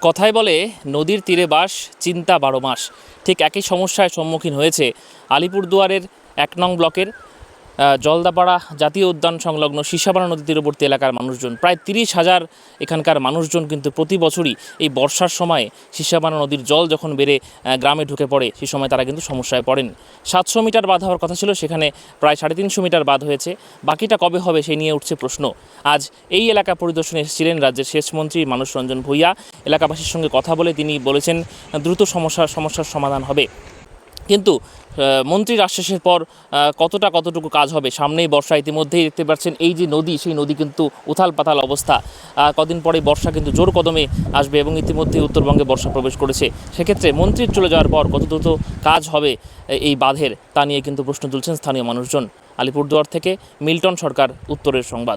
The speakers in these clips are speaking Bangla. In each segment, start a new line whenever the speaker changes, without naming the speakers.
কথায় বলে নদীর তীরে বাস, চিন্তা 12 মাস। ঠিক একই সমস্যার সম্মুখীন হয়েছে আলিপুরদুয়ারের 1 নং ব্লকের জলদাপাড়া জাতীয় উদ্যান সংলগ্ন সিসাবানা নদী তীরবর্তী এলাকার মানুষজন। প্রায় 30,000 এখানকার মানুষজন কিন্তু প্রতি বছরই এই বর্ষার সময় সিসাবানা নদীর জল যখন বেড়ে গ্রামে ঢুকে পড়ে, সেই সময় তারা কিন্তু সমস্যায় পড়েন। 700 মিটার বাঁধ হওয়ার কথা ছিল, সেখানে প্রায় 350 মিটার বাঁধ হয়েছে। বাকিটা কবে হবে সেই নিয়ে উঠছে প্রশ্ন। আজ এই এলাকা পরিদর্শনে এসেছিলেন রাজ্যের সেচ মন্ত্রী মানুষ রঞ্জন ভূঁইয়া। এলাকাবাসীর সঙ্গে কথা বলে তিনি বলেছেন দ্রুত সমস্যার সমাধান হবে। কিন্তু মন্ত্রীর আশ্বাসের পর কতটুকু কাজ হবে? সামনেই বর্ষা, ইতিমধ্যেই দেখতে পাচ্ছেন এই যে নদী, সেই নদী কিন্তু উথাল পাতাল অবস্থা। কদিন পরে বর্ষা কিন্তু জোর কদমে আসবে এবং ইতিমধ্যেই উত্তরবঙ্গে বর্ষা প্রবেশ করেছে। সেক্ষেত্রে মন্ত্রীর চলে যাওয়ার পর কত দ্রুত কাজ হবে এই বাঁধের, তা নিয়ে কিন্তু প্রশ্ন তুলছেন স্থানীয় মানুষজন। আলিপুরদুয়ার থেকে মিল্টন সরকার, উত্তরের সংবাদ।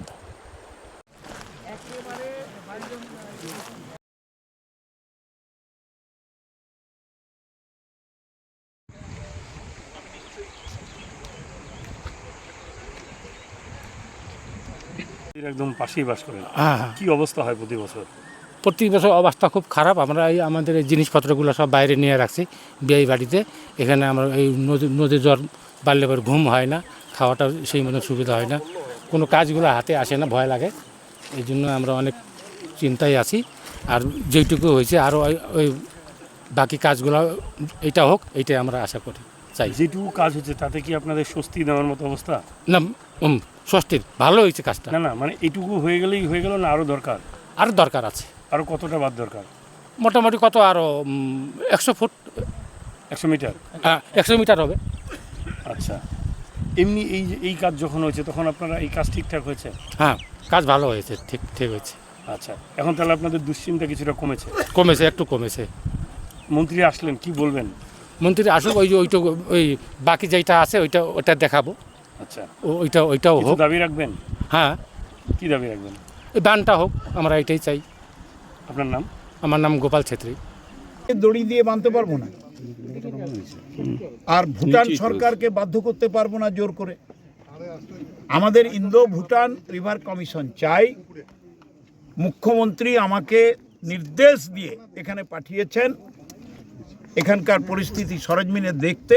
একদম পাশেই বাস করেন।
হ্যাঁ,
কি অবস্থা হয় প্রতি বছর?
প্রতি বছর অবস্থা খুব খারাপ। আমরা এই আমাদের এই জিনিসপত্রগুলো সব বাইরে নিয়ে রাখছি বিয়ে বাড়িতে। এখানে আমরা এই নদীর জ্বর বাড়লে পরে ঘুম হয় না, খাওয়াটা সেই মতো সুবিধা হয় না, কোনো কাজগুলো হাতে আসে না, ভয় লাগে। এই জন্য আমরা অনেক চিন্তায় আছি। আর যেইটুকু হয়েছে আরও ওই বাকি কাজগুলো এইটা হোক, এইটাই আমরা আশা করি, চাই।
যেটুকু কাজ হচ্ছে তাতে কি আপনাদের স্বস্তি নেওয়ার মতো অবস্থা?
না, ষষ্ঠীর ভালো হয়েছে কাজটা।
না, মানে এইটুকু হয়ে গেলেই হয়ে গেল, না আরও দরকার?
আরও দরকার আছে।
আরও কতটা বাদ দরকার?
মোটামুটি কত আরও 100 ফুট,
100 মিটার?
100 মিটার হবে।
আচ্ছা, এমনি এই কাজ যখন হয়েছে তখন আপনারা এই কাজ ঠিকঠাক হয়েছে?
হ্যাঁ, কাজ ভালো হয়েছে, ঠিক হয়েছে।
আচ্ছা, এখন তাহলে আপনাদের দুশ্চিন্তা কিছুটা
কমেছে, একটু কমেছে।
মন্ত্রী আসলেন, কি বলবেন?
মন্ত্রী আসুক, ওই বাকি যেটা আছে ওইটা দেখাবো।
আচ্ছা,
ওইটাও হোক।
দাবি রাখবেন?
হ্যাঁ।
কি দাবি রাখবেন?
এই বানটা হোক, আমরা এটাই চাই।
আপনার নাম?
আমার নাম গোপাল ছেত্রী।
দড়ি দিয়ে বাঁধতে পারবো না, আর ভুটান সরকারকে বাধ্য করতে পারবো না জোর করে। আমাদের ইন্দো ভুটান রিভার কমিশন চাই। মুখ্যমন্ত্রী আমাকে নির্দেশ দিয়ে এখানে পাঠিয়েছেন এখানকার পরিস্থিতি সরেজমিনে দেখতে,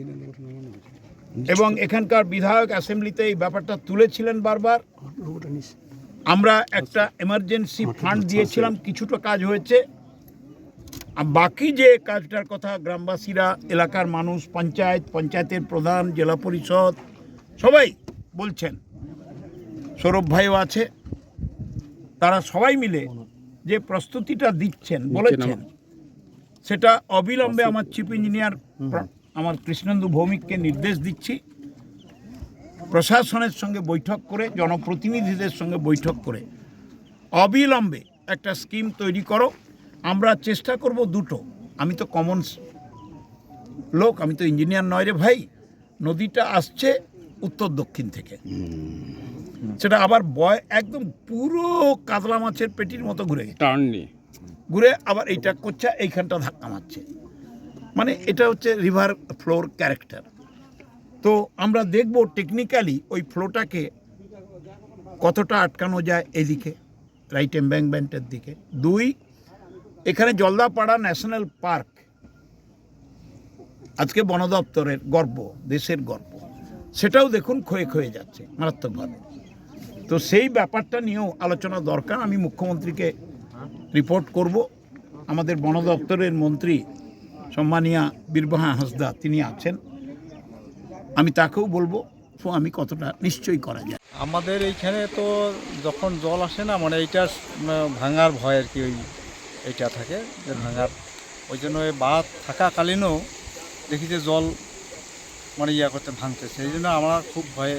এবং এখানকার বিধায়ক অ্যাসেম্বলিতে এই ব্যাপারটা তুলেছিলেন বারবার। আমরা একটা এমার্জেন্সি ফান্ড দিয়েছিলাম, কিছুটা কাজ হয়েছে। আর বাকি যে কাজটার কথা গ্রামবাসীরা, এলাকার মানুষ, পঞ্চায়েতের প্রধান, জেলা পরিষদ সবাই বলছেন, সৌরভ ভাইও আছে, তারা সবাই মিলে যে প্রস্তুতিটা দিচ্ছেন বলেছেন, সেটা অবিলম্বে আমার চিফ ইঞ্জিনিয়ার আমার কৃষ্ণেন্দু ভৌমিককে নির্দেশ দিচ্ছি, প্রশাসনের সঙ্গে বৈঠক করে, জনপ্রতিনিধিদের সঙ্গে বৈঠক করে অবিলম্বে একটা স্কিম তৈরি করো। আমরা চেষ্টা করব দুটো। আমি তো কমন লোক, আমি তো ইঞ্জিনিয়ার নয় রে ভাই। নদীটা আসছে উত্তর দক্ষিণ থেকে, সেটা আবার একদম পুরো কাতলা মাছের পেটির মতো ঘুরে আবার এইটা করছে, এইখানটা ধাক্কা মারছে। মানে এটা হচ্ছে রিভার ফ্লোর ক্যারেক্টার। তো আমরা দেখব টেকনিক্যালি ওই ফ্লোটাকে কতটা আটকানো যায় এদিকে, রাইট এমব্যাঙ্কমেন্টের দিকে। 2, এখানে জলদাপাড়া ন্যাশনাল পার্ক আজকে বন দপ্তরের গর্ব, দেশের গর্ব, সেটাও দেখুন ক্ষয়ে যাচ্ছে মারাত্মকভাবে। তো সেই ব্যাপারটা নিয়েও আলোচনা দরকার। আমি মুখ্যমন্ত্রীকে রিপোর্ট করব। আমাদের বন দপ্তরের মন্ত্রী সম্মানীয়া বীরবাহা হাঁসদা তিনি আছেন, আমি তাকেও বলবো আমি কতটা নিশ্চয়ই করা যায়।
আমাদের এইখানে তো যখন জল আসে না, মানে এইটা ভাঙার ভয় আর কি, এইটা থাকে যে ভাঙার, ওই জন্য ওই বাঁধ থাকাকালীনও দেখি যে জল মানে করতে ভাঙতেছে, এই জন্য আমরা খুব ভয়ে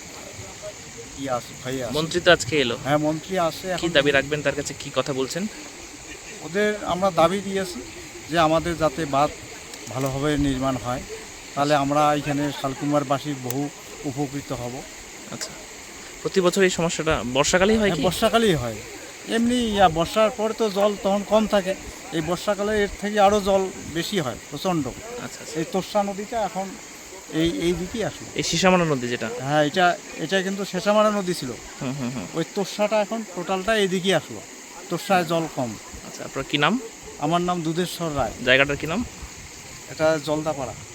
ভয়ে আসি।
মন্ত্রী তো আজকে এলো।
হ্যাঁ, মন্ত্রী আসে।
কি দাবি রাখবেন তার কাছে, কি কথা বলছেন?
ওদের আমরা দাবি দিয়েছি যে আমাদের যাতে বাঁধ ভালোভাবে নির্মাণ হয়, তাহলে আমরা এখানে শালকুমারবাসী বহু উপকৃত হব।
আচ্ছা, প্রতি বছর এই সমস্যাটা বর্ষাকালেই হয়?
বর্ষাকালেই হয়। এমনি বর্ষার পরে তো জল তখন কম থাকে, এই বর্ষাকালে এর থেকে আরও জল বেশি হয়, প্রচণ্ড।
আচ্ছা,
এই তোর্ষা নদীটা এখন এই দিকেই আসলো।
এই সিসামানা নদী যেটা,
হ্যাঁ, এটা কিন্তু শেষামারা নদী ছিল। ওই তোর্ষাটা এখন টোটালটা এইদিকেই আসলো, তোর্ষায় জল কম।
আচ্ছা, আপনার কি নাম?
আমার নাম দুধেশ্বর রায়।
জায়গাটার কি নাম?
এটা জলদাপাড়া।